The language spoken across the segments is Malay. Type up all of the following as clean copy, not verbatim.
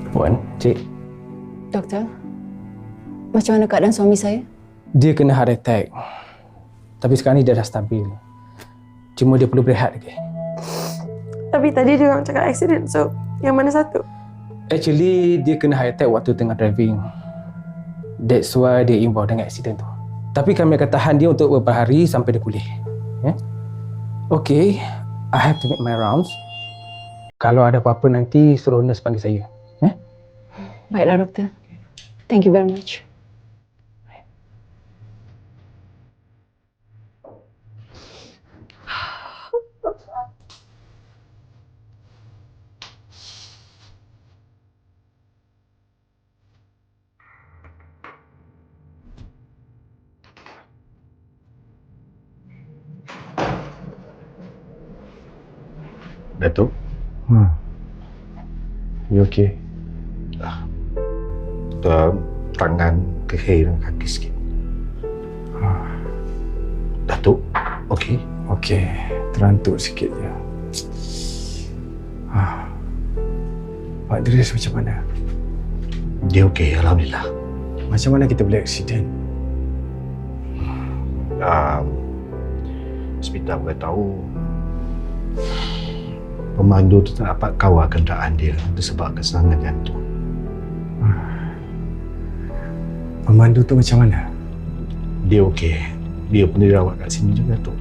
Puan, Cik. Doktor, macam mana keadaan suami saya? Dia kena heart attack. Tapi sekarang ni dia dah stabil. Cuma dia perlu berehat lagi. Tapi tadi dia orang cakap accident, so yang mana satu? Actually, dia kena heart attack waktu tengah driving. That's why dia involved dengan accident tu. Tapi kami akan tahan dia untuk beberapa hari sampai dia pulih. Yeah? Okay, I have to make my rounds. Kalau ada apa-apa nanti suruh nurse panggil saya. Yeah? Baiklah doktor. Thank you very much. Datuk? You okay? Tangan kehil dan kaki sikit. Datuk? Okay? Okay, terantuk sikit je. Pak Idris macam mana? Dia okay, Alhamdulillah. Macam mana kita boleh accident? Hospital beritahu pemandu tu tak dapat kawal kenderaan dia disebabkan serangan jantung. Pemandu tu macam mana? Dia okey. Dia pun dirawat kat sini juga, Datuk.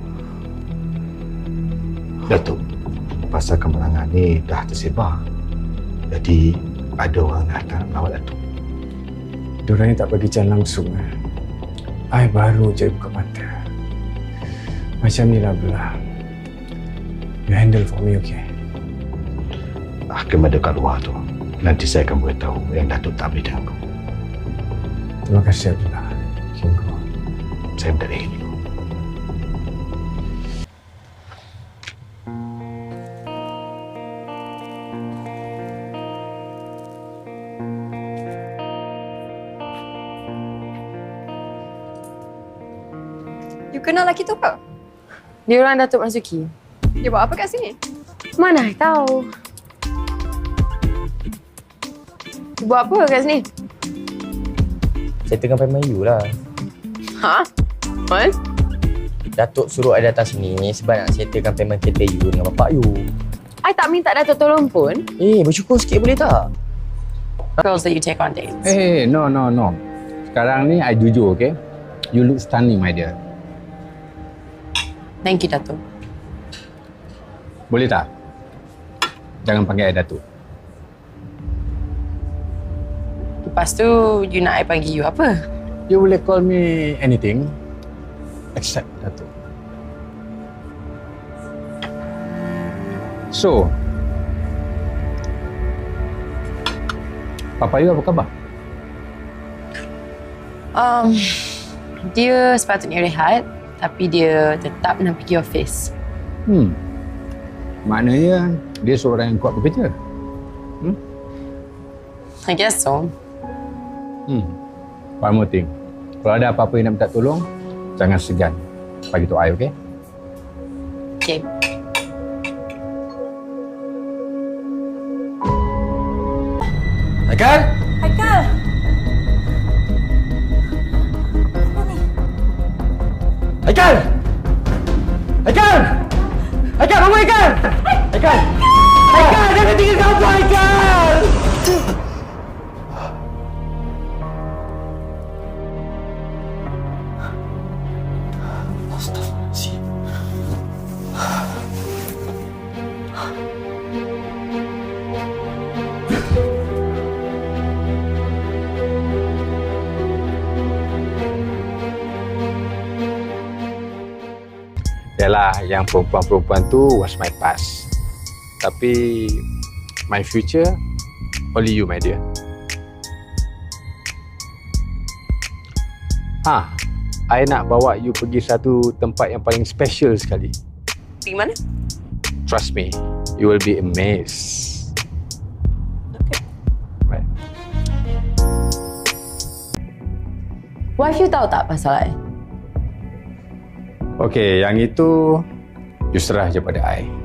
Datuk, pasal kemenangan ni dah tersebar. Jadi ada orang datang merawat Datuk. Diorang ni tak bagi jalan langsung. I baru je buka mata. Macam ni lah belah. You handle for me, okay? Hakim ada kat luar tu. Nanti saya akan beritahu yang Datuk tak boleh ganggu. Terima kasih, Abdullah. Tunggu. Saya minta dia dulu. You kenal lelaki tu ke? Dia orang Datuk Masuki. Dia buat apa kat sini? Mana I tahu. Dia buat apa kat sini? Saya tengah payah you lah. Ha? What? Datuk suruh I datang sini sebab nak settlekan payment kereta you dengan bapak you. I tak minta Datuk tolong pun. Bersyukur sikit boleh tak? Girls that you take on dates. Hey, no. Sekarang ni I jujur, okay? You look stunning, my dear. Thank you, Datuk. Boleh tak? Jangan panggil I Datuk. Lepas tu, you nak I panggil you apa? You boleh call me anything except Datuk. So, Papa you apa khabar? Dia sepatutnya rehat, tapi dia tetap nak pergi office. Maknanya dia seorang yang kuat bekerja. I guess so. One more thing. Kalau ada apa-apa yang nak minta tolong, jangan segan bagi tahu I, okay? Okay. Haikal! Haikal! Apa ni? Haikal! Haikal! Haikal, bangun Haikal! Haikal! Haikal, jangan tinggalkan aku Haikal! Yalah, yang perempuan-perempuan tu was my past. Tapi my future, only you, my dear. I nak bawa you pergi satu tempat yang paling special sekali. Pergi mana? Trust me, you will be amazed. Okay. Right. Wife you tahu tak pasal I? Okay, yang itu you serah je pada I.